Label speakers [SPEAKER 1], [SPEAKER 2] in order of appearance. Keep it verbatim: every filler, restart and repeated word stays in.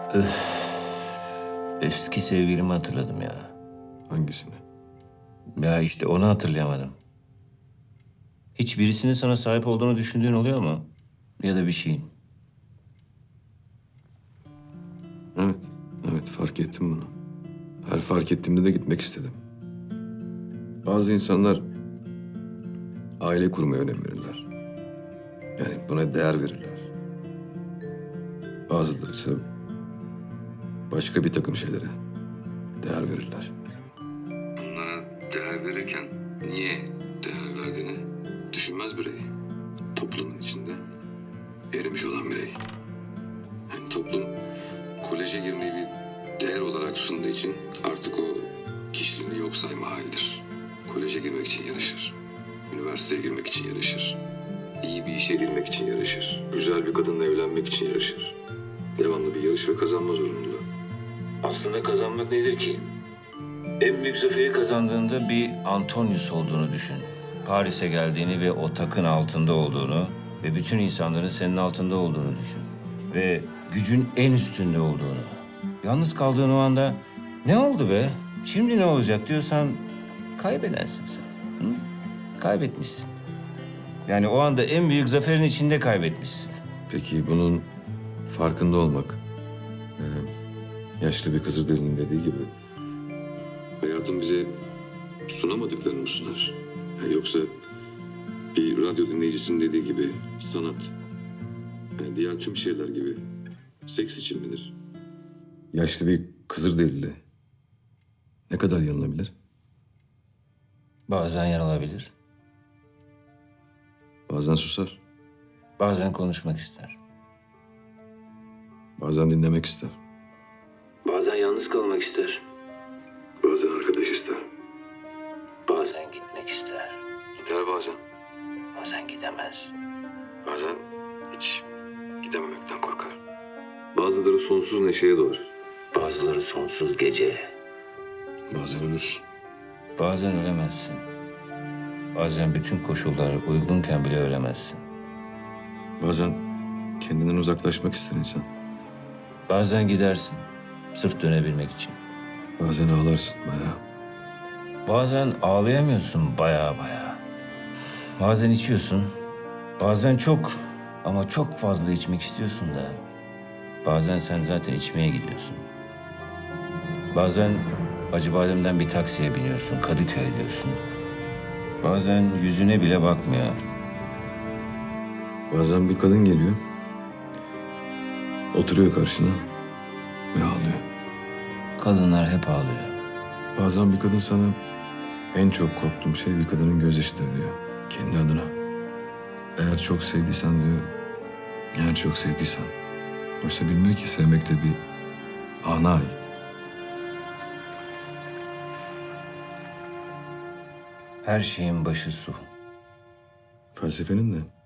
[SPEAKER 1] Eski sevgilimi hatırladım ya.
[SPEAKER 2] Hangisini?
[SPEAKER 1] Ya işte onu hatırlayamadım. Hiç birisinin sana sahip olduğunu düşündüğün oluyor mu? Ya da bir şeyin.
[SPEAKER 2] Evet, evet fark ettim bunu. Her fark ettiğimde de gitmek istedim. Bazı insanlar aile kurmaya önem verirler. Yani buna değer verirler. Bazıları ise başka bir takım şeylere değer verirler. Bunlara değer verirken niye değer verdiğini düşünmez birey. Toplumun içinde erimiş olan birey. Yani toplum koleje girmeyi bir değer olarak sunduğu için artık o kişiliğini yok sayma halidir. Koleje girmek için yarışır. Üniversiteye girmek için yarışır. İyi bir işe girmek için yarışır. Güzel bir kadınla evlenmek için yarışır. Devamlı bir yarış ve kazanma zorunluluğu.
[SPEAKER 1] Aslında kazanmak nedir ki? En büyük zaferi kazandığında bir Antonius olduğunu düşün. Paris'e geldiğini ve o takın altında olduğunu ve bütün insanların senin altında olduğunu düşün. Ve gücün en üstünde olduğunu. Yalnız kaldığın o anda ne oldu be? Şimdi ne olacak diyorsan kaybedensin sen. Hı? Kaybetmişsin. Yani o anda en büyük zaferin içinde kaybetmişsin.
[SPEAKER 2] Peki bunun farkında olmak, e, yaşlı bir Kızılderili'nin dediği gibi hayatın bize sunamadıklarını mı sunar? Yani yoksa bir radyo dinleyicisinin dediği gibi sanat, yani diğer tüm şeyler gibi seks için midir? Yaşlı bir Kızılderili ne kadar yanılabilir?
[SPEAKER 1] Bazen yanılabilir,
[SPEAKER 2] Bazen susar,
[SPEAKER 1] bazen konuşmak ister.
[SPEAKER 2] bazen dinlemek ister,
[SPEAKER 1] Bazen yalnız kalmak ister,
[SPEAKER 2] bazen arkadaş ister.
[SPEAKER 1] bazen gitmek ister,
[SPEAKER 2] Gider bazen,
[SPEAKER 1] bazen gidemez.
[SPEAKER 2] bazen hiç gidememekten korkar. Bazıları sonsuz neşeye doğar,
[SPEAKER 1] Bazıları sonsuz gece.
[SPEAKER 2] bazen ölür.
[SPEAKER 1] Bazen ölemezsin. Bazen bütün koşullar uygunken bile ölemezsin.
[SPEAKER 2] Bazen kendinden uzaklaşmak ister insan.
[SPEAKER 1] Bazen gidersin, sırf dönebilmek için.
[SPEAKER 2] Bazen ağlarsın bayağı.
[SPEAKER 1] Bazen ağlayamıyorsun baya baya. Bazen içiyorsun, bazen çok ama çok fazla içmek istiyorsun da. Bazen sen zaten içmeye gidiyorsun. Bazen Acıbadem'den bir taksiye biniyorsun, Kadıköy diyorsun. Bazen yüzüne bile bakmıyor.
[SPEAKER 2] Bazen bir kadın geliyor. Oturuyor karşına ve ağlıyor.
[SPEAKER 1] Kadınlar hep ağlıyor.
[SPEAKER 2] Bazen bir kadın sana en çok korktuğum şey bir kadının gözyaşıdır diyor. Kendi adına. Eğer çok sevdiysen diyor. Eğer çok sevdiysen. Oysa bilmiyor ki sevmek de bir ana ait.
[SPEAKER 1] Her şeyin başı su.
[SPEAKER 2] Felsefenin de